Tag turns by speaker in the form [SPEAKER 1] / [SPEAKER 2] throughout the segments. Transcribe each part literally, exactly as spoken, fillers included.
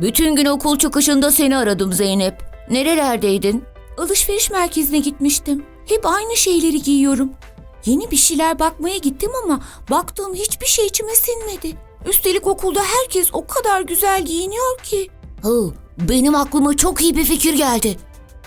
[SPEAKER 1] Bütün gün okul çıkışında seni aradım Zeynep. Nerelerdeydin?
[SPEAKER 2] Alışveriş merkezine gitmiştim. Hep aynı şeyleri giyiyorum. Yeni bir şeyler bakmaya gittim ama baktığım hiçbir şey içime sinmedi. Üstelik okulda herkes o kadar güzel giyiniyor ki.
[SPEAKER 1] Hı, benim aklıma çok iyi bir fikir geldi.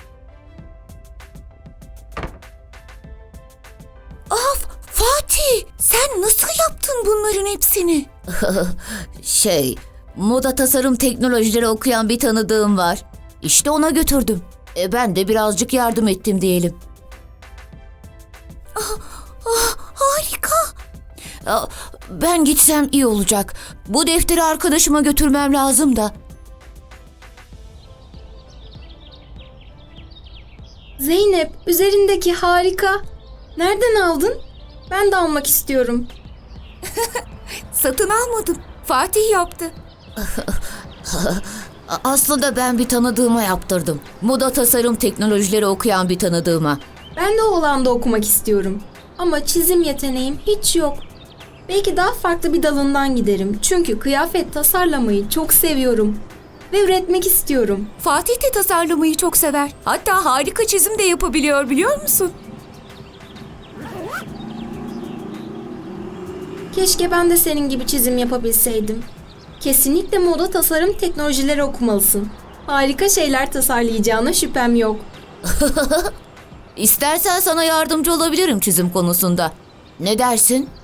[SPEAKER 2] Af, Fatih, sen nasıl yaptın bunların hepsini?
[SPEAKER 1] Şey, moda tasarım teknolojileri okuyan bir tanıdığım var. İşte ona götürdüm. E, ben de birazcık yardım ettim diyelim.
[SPEAKER 2] Ah, harika.
[SPEAKER 1] Aa, Ben gitsem iyi olacak. Bu defteri arkadaşıma götürmem lazım da.
[SPEAKER 3] Zeynep, üzerindeki harika. Nereden aldın? Ben de almak istiyorum.
[SPEAKER 2] Satın almadım. Fatih yaptı.
[SPEAKER 1] Aslında ben bir tanıdığıma yaptırdım. Moda tasarım teknolojileri okuyan bir tanıdığıma.
[SPEAKER 3] Ben de o alanda okumak istiyorum. Ama çizim yeteneğim hiç yok. Belki daha farklı bir dalından giderim. Çünkü kıyafet tasarlamayı çok seviyorum. Ve üretmek istiyorum.
[SPEAKER 2] Fatih de tasarlamayı çok sever. Hatta harika çizim de yapabiliyor, biliyor musun?
[SPEAKER 3] Keşke ben de senin gibi çizim yapabilseydim. Kesinlikle moda tasarım teknolojileri okumalısın. Harika şeyler tasarlayacağına şüphem yok.
[SPEAKER 1] İstersen sana yardımcı olabilirim çizim konusunda. Ne dersin?